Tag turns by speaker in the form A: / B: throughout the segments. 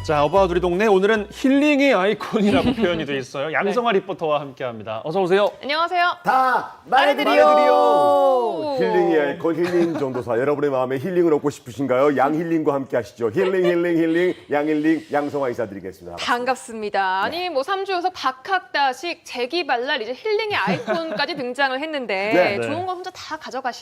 A: 자, 어바웃 우리 동네 오늘은 힐링의 아이콘이라고 표현이 돼 있어요. 양성아 리포터와 함께합니다. 어서 오세요.
B: 안녕하세요.
C: 다 말해드려. 힐링의 아이콘 힐링 전도사. 여러분의 마음에 힐링을 얻고 싶으신가요? 양힐링과 함께 하시죠. 힐링 양힐링 양성화 인사드리겠습니다.
B: 반갑습니다. 아니 뭐 3주 연속 박학다식 재기발랄 이제 힐링의 아이콘까지 등장을 했는데
A: 네.
B: 좋은 거 혼자 다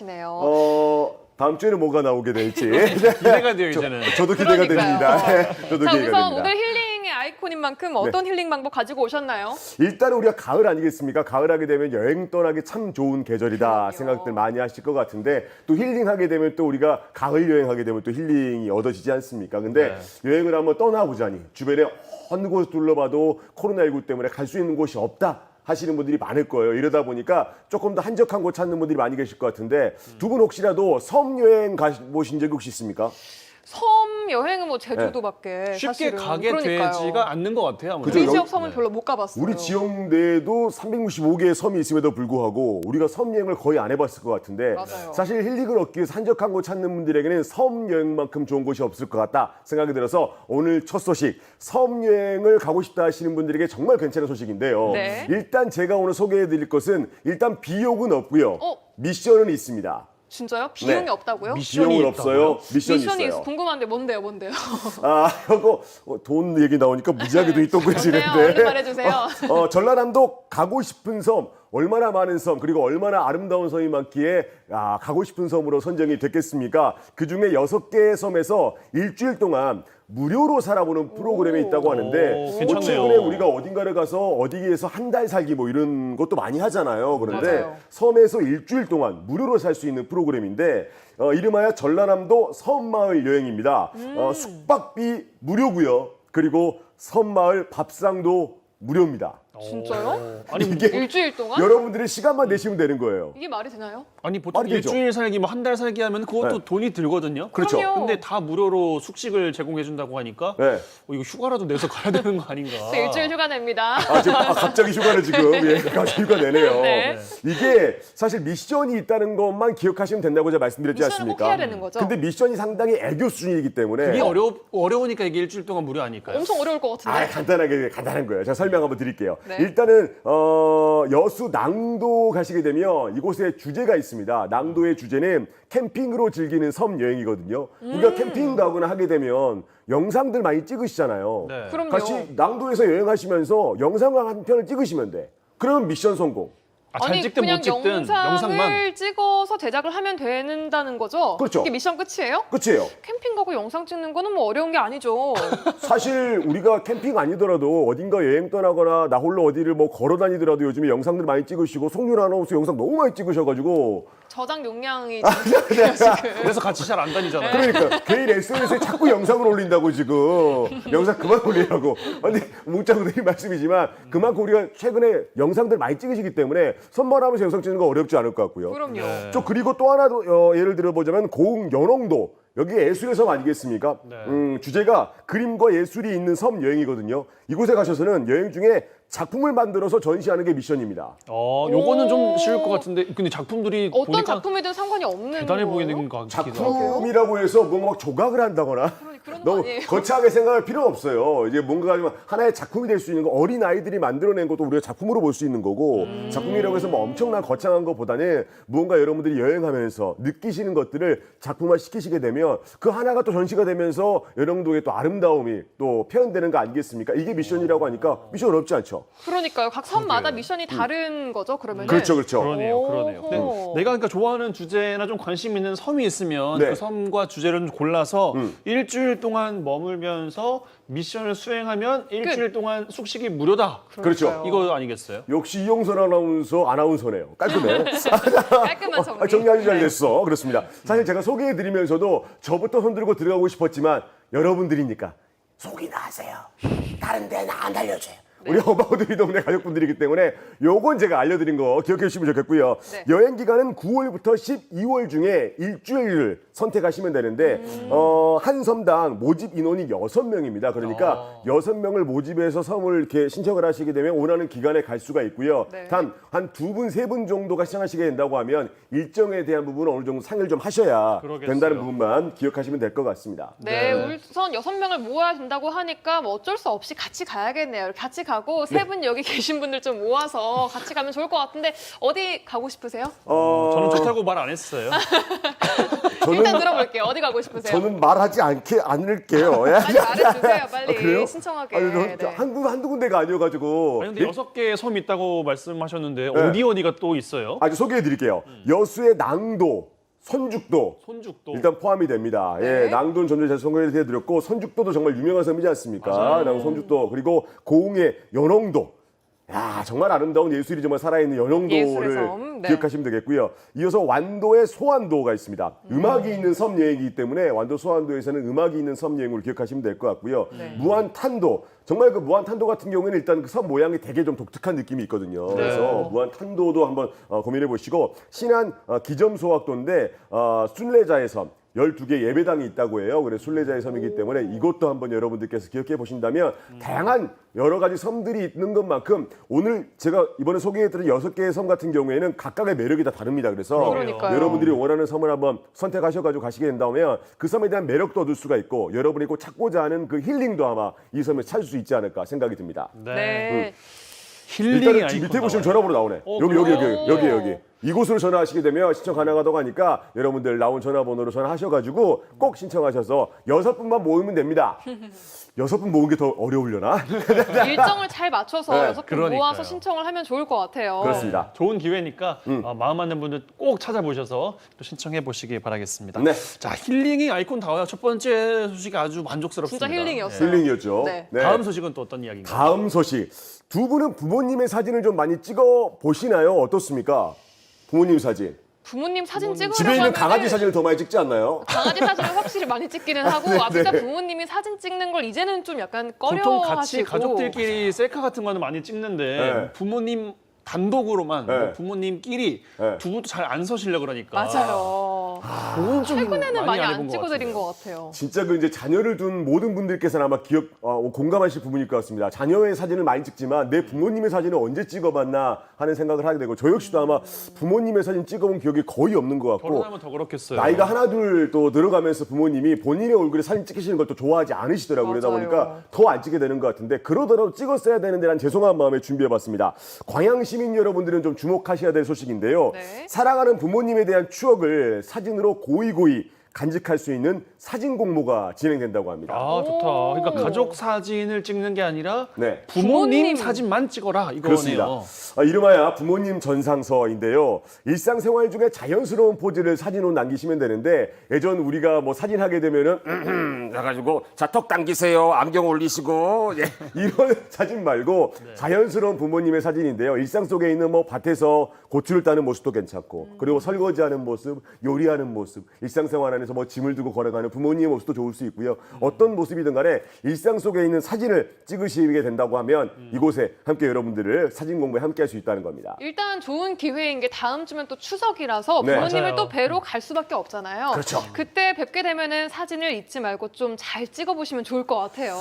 B: 가져가시네요.
C: 다음 주에는 뭐가 나오게 될지
A: 기대가 돼요, 이제는.
C: 저도 기대가
B: 그러니까요.
C: 됩니다. 네, 저도
B: 자,
C: 기대가
B: 우선
C: 됩니다.
B: 오늘 힐링의 아이콘인 만큼 어떤 힐링 방법 가지고 오셨나요?
C: 일단은 우리가 가을 아니겠습니까? 가을하게 되면 여행 떠나기 참 좋은 계절이다
B: 그럼요.
C: 생각들 많이 하실 것 같은데 또 힐링하게 되면 또 우리가 가을 여행하게 되면 또 힐링이 얻어지지 않습니까? 근데 여행을 한번 떠나보자니 주변에 어느 곳 둘러봐도 코로나19 때문에 갈 수 있는 곳이 없다 하시는 분들이 많을 거예요. 이러다 보니까 조금 더 한적한 곳 찾는 분들이 많이 계실 것 같은데 두 분 혹시라도 섬 여행 가보신 적이 혹시 있습니까?
B: 섬 여행은 뭐 제주도밖에
A: 쉽게
B: 사실은.
A: 가게
B: 그러니까요.
A: 되지가 않는 것 같아요. 아무래도.
C: 그죠?
B: 우리
C: 여기-
B: 지역 섬은 별로 못 가봤어요.
C: 우리 지역 내에도 365개의 섬이 있음에도 불구하고 우리가 섬 여행을 거의 안 해봤을 것 같은데
B: 맞아요.
C: 사실 힐링을 얻기 위해서 한적한 곳 찾는 분들에게는 섬 여행만큼 좋은 곳이 없을 것 같다 생각이 들어서 오늘 첫 소식 섬 여행을 가고 싶다 하시는 분들에게 정말 괜찮은 소식인데요.
B: 네.
C: 일단 제가 오늘 소개해드릴 것은 일단 비용은 없고요.
B: 어?
C: 미션은 있습니다.
B: 진짜요? 비용이
C: 네.
B: 없다고요?
C: 비용은 없어요. 미션이
B: 미션이
C: 있어요.
B: 궁금한데 뭔데요?
C: 아, 이거 돈 얘기 나오니까 무지하게 돈이
B: 뭔데요?
C: 동그래지는데.
B: 얼른 말해주세요.
C: 전라남도 가고 싶은 섬, 얼마나 많은 섬, 그리고 얼마나 아름다운 섬이 많기에 가고 싶은 섬으로 선정이 됐겠습니까? 그중에 6개의 섬에서 일주일 동안 무료로 살아보는 프로그램이 있다고 하는데
A: 오,
C: 뭐
A: 괜찮네요.
C: 최근에 우리가 어딘가를 가서 어디에서 한 달 살기 뭐 이런 것도 많이 하잖아요. 그런데
B: 맞아요.
C: 섬에서 일주일 동안 무료로 살 수 있는 프로그램인데 이름하여 전라남도 섬마을 여행입니다. 숙박비 무료고요. 그리고 섬마을 밥상도 무료입니다.
B: 진짜요?
A: 아니,
C: 이게
B: 일주일 동안?
C: 여러분들이 시간만 내시면 되는 거예요.
B: 이게 말이 되나요?
A: 아니 보통
C: 말이 되죠.
A: 일주일 살기, 뭐 한 달 살기 하면 그것도
C: 네.
A: 돈이 들거든요.
C: 그렇죠.
B: 그럼요.
A: 근데 다 무료로 숙식을 제공해준다고 하니까
C: 네.
A: 이거 휴가라도 내서 가야 되는 거 아닌가.
B: 저 일주일 휴가 냅니다.
C: 지금 갑자기 휴가를 지금 갑자기 휴가 내네요.
B: 네.
C: 이게 사실 미션이 있다는 것만 기억하시면 된다고 제가 말씀드렸지
B: 미션을
C: 않습니까?
B: 꼭 해야 되는 거죠?
C: 근데 미션이 상당히 애교 수준이기 때문에
A: 그게 어려우니까 이게 일주일 동안 무료 아닐까요?
B: 엄청 어려울 것 같은데.
C: 간단한 거예요. 제가 설명 한번 드릴게요.
B: 네.
C: 일단은 여수 낭도 가시게 되면 이곳에 주제가 있습니다. 낭도의 주제는 캠핑으로 즐기는 섬 여행이거든요. 우리가 캠핑 가거나 하게 되면 영상들 많이 찍으시잖아요.
A: 네.
B: 그럼요.
C: 같이 낭도에서 여행하시면서 영상을 한 편을 찍으시면 돼. 그러면 미션 성공.
A: 잘
B: 아니
A: 찍든
B: 그냥
A: 못 찍든
B: 영상을
A: 영상만.
B: 찍어서 제작을 하면 된다는 거죠?
C: 그렇죠.
B: 이게 미션 끝이에요?
C: 끝이에요.
B: 캠핑 가고 영상 찍는 거는 뭐 어려운 게 아니죠.
C: 사실 우리가 캠핑 아니더라도 어딘가 여행 떠나거나 나 홀로 어디를 뭐 걸어 다니더라도 요즘에 영상들 많이 찍으시고 송윤 아나운서 영상 너무 많이 찍으셔가지고
B: 저장 용량이
A: 그래서 같이 잘 안 다니잖아요.
C: 그러니까 개인 SNS에 자꾸 영상을 올린다고 지금 영상 그만 올리라고. 아니 묻자고 드린 말씀이지만 그만큼 우리가 최근에 영상들 많이 찍으시기 때문에 선물하면서 영상 찍는 거 어렵지 않을 것 같고요.
B: 그럼요.
A: 네.
C: 또 그리고 또 하나 예를 들어보자면 고흥 연홍도 여기 예술의 섬 아니겠습니까?
A: 네.
C: 주제가 그림과 예술이 있는 섬 여행이거든요. 이곳에 가셔서는 여행 중에 작품을 만들어서 전시하는 게 미션입니다.
A: 요거는 좀 쉬울 것 같은데 근데 작품들이
B: 어떤
A: 보니까
B: 작품이든 상관이 없는
A: 대단해
B: 거예요?
A: 보이는 것 같기도 하고.
C: 작품이라고 해서 뭔가 막 조각을 한다거나
B: 그런 거
C: 너무
B: 아니에요?
C: 거창하게 생각할 필요 없어요. 이제 뭔가 좀 하나의 작품이 될 수 있는 거 어린 아이들이 만들어낸 것도 우리가 작품으로 볼 수 있는 거고 작품이라고 해서 뭐 엄청난 거창한 것보다는 무언가 여러분들이 여행하면서 느끼시는 것들을 작품화 시키시게 되면 그 하나가 또 전시가 되면서 여러분들의 또 아름다움이 또 표현되는 거 아니겠습니까? 이게 미션이라고 하니까 미션 어렵지 않죠?
B: 그러니까요. 각 섬마다 미션이 다른 거죠, 그러면?
C: 그렇죠, 그렇죠.
A: 그러네요. 근데
B: 오호.
A: 내가 그러니까 좋아하는 주제나 좀 관심 있는 섬이 있으면
C: 네.
A: 그 섬과 주제를 좀 골라서 일주일 동안 머물면서 미션을 수행하면 일주일 동안 숙식이 무료다.
C: 그렇죠.
A: 이거 아니겠어요?
C: 역시 이용선 아나운서네요. 깔끔해.
B: 깔끔한 정리.
C: 정리 아주 잘 됐어. 그렇습니다. 사실 제가 소개해드리면서도 저부터 손들고 들어가고 싶었지만 여러분들이니까 속이나 하세요. 다른 데는 안 알려줘요. 우리 어바웃 동네 가족분들이기 때문에 요건 제가 알려드린 거 기억해 주시면 좋겠고요.
B: 네.
C: 여행 기간은 9월부터 12월 중에 일주일을 선택하시면 되는데 한 섬당 모집 인원이 6명입니다. 그러니까 6명을 모집해서 섬을 이렇게 신청을 하시게 되면 원하는 기간에 갈 수가 있고요.
B: 네.
C: 단 한 2분, 3분 정도가 시청하시게 된다고 하면 일정에 대한 부분은 어느 정도 상의를 좀 하셔야
A: 그러겠어요.
C: 된다는 부분만 기억하시면 될 것 같습니다.
B: 네, 우선 6명을 모아야 된다고 하니까 뭐 어쩔 수 없이 같이 가야겠네요. 같이 가고 세 분 여기 계신 분들 좀 모아서 같이 가면 좋을 것 같은데 어디 가고 싶으세요?
A: 저는 좋다고 말 안 했어요.
B: 일단 들어볼게요. 어디 가고 싶으세요?
C: 저는 말하지 않을게요.
B: 빨리 말해주세요. 빨리
C: 그래요?
B: 신청하게.
C: 아니,
B: 네.
C: 한두 군데가 아니어가지고.
A: 아니 근데 6개의 섬이 있다고 말씀하셨는데 어디가 또 있어요?
C: 아주 소개해드릴게요. 여수의 낭도, 선죽도
A: 손죽도.
C: 일단 포함이 됩니다.
B: 네.
C: 예, 낭도는 전에 제가 소개해드렸고 선죽도도 정말 유명한 섬이지 않습니까? 낭도, 선죽도 그리고 고흥의 연홍도. 야 정말 아름다운 예술이 정말 살아있는
B: 예술의
C: 연홍도를
B: 섬, 네.
C: 기억하시면 되겠고요. 이어서 완도의 소완도가 있습니다. 음악이 있는 섬 여행이기 때문에 완도 소완도에서는 음악이 있는 섬 여행으로 기억하시면 될 것 같고요.
B: 네.
C: 무안탄도 정말 그 무안탄도 같은 경우에는 일단 그 섬 모양이 되게 좀 독특한 느낌이 있거든요. 그래서 무안탄도도 한번 고민해 보시고 신안 기점소학도인데 순례자의 섬 12개 예배당이 있다고 해요. 그래서 순례자의 섬이기 때문에 이것도 한번 여러분들께서 기억해 보신다면 다양한 여러 가지 섬들이 있는 것만큼 오늘 제가 이번에 소개해드린 6개의 섬 같은 경우에는 각각의 매력이 다 다릅니다. 그래서
B: 그러니까요.
C: 여러분들이 원하는 섬을 한번 선택하셔가지고 가시게 된다면 그 섬에 대한 매력도 얻을 수가 있고 여러분이 꼭 찾고자 하는 그 힐링도 아마 이 섬에서 찾을 수 있지 않을까 생각이 듭니다.
B: 네.
A: 힐링이
C: 일단은
A: 아이콘
C: 지금 밑에 보시면
A: 나와요.
C: 전화번호 나오네.
B: 그래요?
C: 여기. 이곳으로 전화하시게 되면 신청 가능하다고 하니까 여러분들 나온 전화번호로 전화하셔가지고 꼭 신청하셔서 6분만 모으면 됩니다. 6분 모은 게 더 어려우려나?
B: 일정을 잘 맞춰서
C: 네,
B: 6분
A: 그러니까요.
B: 모아서 신청을 하면 좋을 것 같아요.
C: 그렇습니다.
A: 좋은 기회니까 마음 맞는 분들 꼭 찾아보셔서 또 신청해 보시기 바라겠습니다.
C: 네.
A: 자 힐링이 아이콘 다와요. 첫 번째 소식이 아주 만족스럽습니다.
B: 진짜 힐링이었어요.
C: 힐링이었죠.
B: 네.
A: 다음 소식은 또 어떤 이야기인가요?
C: 다음 소식. 두 분은 부모님의 사진을 좀 많이 찍어 보시나요? 어떻습니까? 부모님 사진.
B: 부모님 사진 찍으려고
C: 집에 있는
B: 하면은
C: 강아지 사진을 더 많이 찍지 않나요?
B: 강아지 사진을 확실히 많이 찍기는 하고 진짜 부모님이 사진 찍는 걸 이제는 좀 약간
A: 보통 같이
B: 꺼려하시고
A: 가족들끼리 셀카 같은 거는 많이 찍는데
C: 네.
A: 부모님 단독으로만
C: 네.
A: 뭐 부모님끼리
C: 네.
A: 두 분도 잘 안 서시려 그러니까
B: 맞아요.
A: 그건 좀
B: 최근에는 많이
A: 해본
B: 안
A: 것
B: 찍어드린
A: 같은데요.
B: 것 같아요.
C: 진짜 그 이제 자녀를 둔 모든 분들께서는 아마 공감하실 부분일 것 같습니다. 자녀의 사진을 많이 찍지만 내 부모님의 사진을 언제 찍어봤나 하는 생각을 하게 되고 저 역시도 아마 부모님의 사진 찍어본 기억이 거의 없는 것 같고
A: 결혼하면 더 그렇겠어요.
C: 나이가 하나 둘 또 늘어가면서 부모님이 본인의 얼굴에 사진 찍히시는 걸 또 좋아하지 않으시더라고요. 그러다
B: 맞아요.
C: 보니까 더 안 찍게 되는 것 같은데 그러더라도 찍었어야 되는데 난 죄송한 마음에 준비해봤습니다. 광양 시민 여러분들은 좀 주목하셔야 될 소식인데요.
B: 네.
C: 사랑하는 부모님에 대한 추억을 사진으로 고이고이 간직할 수 있는 사진 공모가 진행된다고 합니다.
A: 아 좋다.
B: 오.
A: 그러니까 가족 사진을 찍는 게 아니라
C: 네.
A: 부모님
B: 부모님.
A: 사진만 찍어라
C: 그렇습니다.
A: 이거네요.
C: 이름하여 부모님 전상서인데요. 일상생활 중에 자연스러운 포즈를 사진으로 남기시면 되는데 예전 우리가 뭐 사진 하게 되면은 해가지고 자 턱 당기세요. 안경 올리시고 예, 이런 사진 말고 자연스러운 부모님의 사진인데요. 일상 속에 있는 뭐 밭에서 고추를 따는 모습도 괜찮고 그리고 설거지하는 모습, 요리하는 모습, 일상생활 안에서 뭐 짐을 두고 걸어가는 부모님의 모습도 좋을 수 있고요. 어떤 모습이든 간에 일상 속에 있는 사진을 찍으시게 된다고 하면 이곳에 함께 여러분들을 사진 공부에 함께 할 수 있다는 겁니다.
B: 일단 좋은 기회인 게 다음 주면 또 추석이라서
C: 네.
B: 부모님을
A: 맞아요.
B: 또 뵈러 갈 수밖에 없잖아요.
C: 그렇죠.
B: 그때 뵙게 되면은 사진을 잊지 말고 좀 잘 찍어보시면 좋을 것 같아요.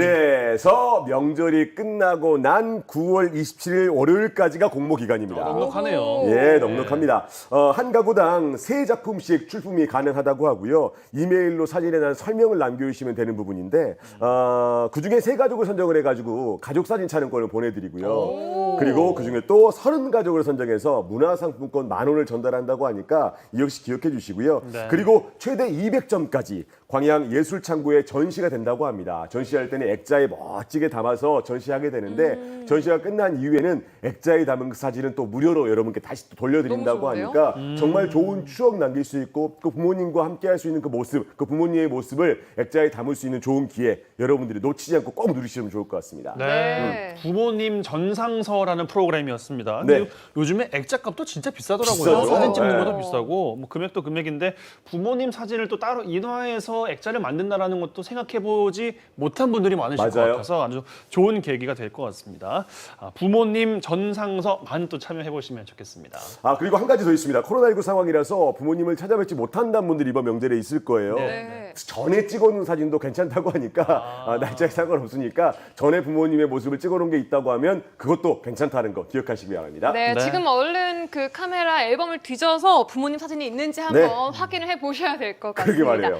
C: 그래서 명절이 끝나고 난 9월 27일 월요일까지가 공모 기간입니다.
A: 넉넉하네요.
C: 예, 넉넉합니다. 한 가구당 3작품씩 출품이 가능하다고 하고요. 이메일로 사진에 대한 설명을 남겨주시면 되는 부분인데 그중에 3가족을 선정을 해가지고 가족 사진 촬영권을 보내드리고요. 그리고 그중에 또 30가족을 선정해서 문화상품권 10,000원을 전달한다고 하니까 이 역시 기억해 주시고요.
A: 네.
C: 그리고 최대 200점까지 광양 예술창고에 전시가 된다고 합니다. 전시할 때는 액자에 멋지게 담아서 전시하게 되는데 전시가 끝난 이후에는 액자에 담은 그 사진은 또 무료로 여러분께 다시 또 돌려드린다고
B: 너무 좋은데요?
C: 하니까 정말 좋은 추억 남길 수 있고 그 부모님과 함께 함께 할 수 있는 그 모습, 그 부모님의 모습을 액자에 담을 수 있는 좋은 기회 여러분들이 놓치지 않고 꼭 누리시면 좋을 것 같습니다.
B: 네.
A: 부모님 전상서라는 프로그램이었습니다.
C: 네.
A: 근데 요즘에 액자값도 진짜 비싸더라고요.
C: 비싸죠.
A: 사진 찍는
C: 네.
A: 것도 비싸고 뭐 금액도 금액인데 부모님 사진을 또 따로 인화해서 액자를 만든다라는 것도 생각해보지 못한 분들이 많으실 것
C: 맞아요.
A: 같아서 아주 좋은 계기가 될 것 같습니다. 부모님 전상서 많이 또 참여해보시면 좋겠습니다.
C: 그리고 한 가지 더 있습니다. 코로나19 상황이라서 부모님을 찾아뵙지 못한다는 분들이 이번 명절에 있을 거예요.
B: 네.
C: 전에 찍어놓은 사진도 괜찮다고 하니까 날짜에 상관없으니까 전에 부모님의 모습을 찍어놓은 게 있다고 하면 그것도 괜찮다는 거 기억하시기 바랍니다.
B: 네,
A: 네.
B: 지금 얼른 그 카메라 앨범을 뒤져서 부모님 사진이 있는지 한번
C: 네.
B: 확인을 해 보셔야 될 것
C: 그러게
B: 같습니다.
C: 말이에요.